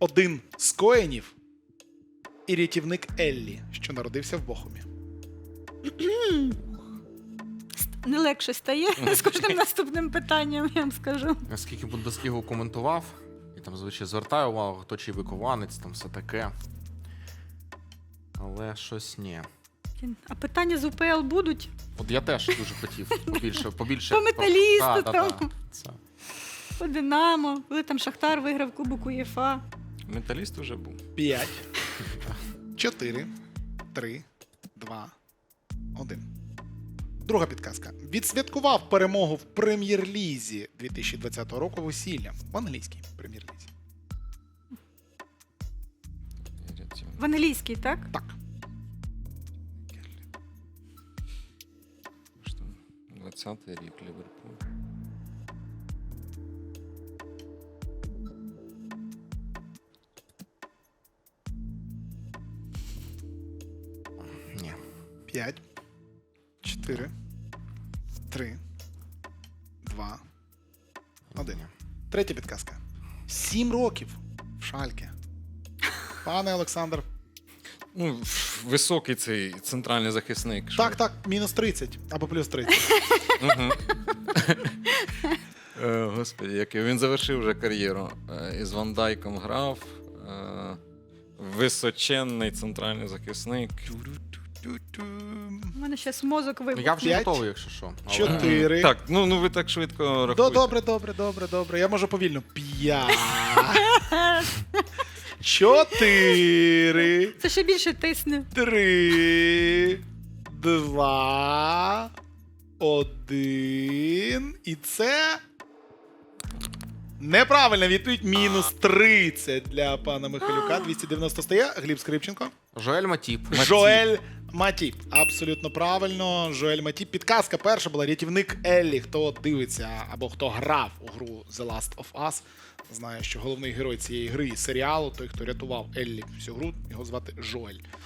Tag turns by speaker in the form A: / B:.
A: один з коенів і рятівник Еллі, що народився в Бохумі.
B: Не легше стає з кожним наступним питанням, я вам скажу.
C: Скільки Бундеслігу коментував, і там, звичайно, звертаю увагу, хто чий вихованець, там все таке. Але щось ні.
B: А питання з УПЛ будуть?
C: От я теж дуже хотів побільше.
B: По Металісту
C: Да,
B: там.
C: Це.
B: По Динамо, коли там Шахтар виграв Кубок УЄФА.
D: Металіст вже був.
A: 5, 4, 3, 2, 1. Друга підказка. Відсвяткував перемогу в Прем'єр-лізі 2020 року весіллям. В англійській Прем'єр-лізі.
B: В англійській, так?
A: Так.
D: 20-й рік Ліверпуль.
C: Ні.
A: 5, 4, 3, 2, 1. Третя підказка. 7 років в Шальке. Пане Олександр.
D: Ну, високий цей центральний захисник. що-
A: Так, мінус 30 або плюс 30.
D: Мгм. Господи, який він завершив вже кар'єру. Із Ван Дайком грав. Височенний центральний захисник.
B: У мене зараз мозок вибух.
C: Я вже
A: 5,
C: готовий, якщо що. Але-
A: 4.
D: Так, ну ви так швидко рахуєте.
A: Добре. Я можу повільно. 5. 4.
B: Це ще більше тисне.
A: 3, 2, 1. І це неправильна відповідь. Мінус 30 для пана Михайлюка. 290 стає. Гліб Скрипченко.
C: Жоель Матіп.
A: Жоель Матіп. Абсолютно правильно. Жоель Матіп. Підказка перша була рятівник Еллі. Хто дивиться або хто грав у гру The Last of Us, знає, що головний герой цієї гри і серіалу, той, хто рятував Еллі всю гру, його звати Жоель.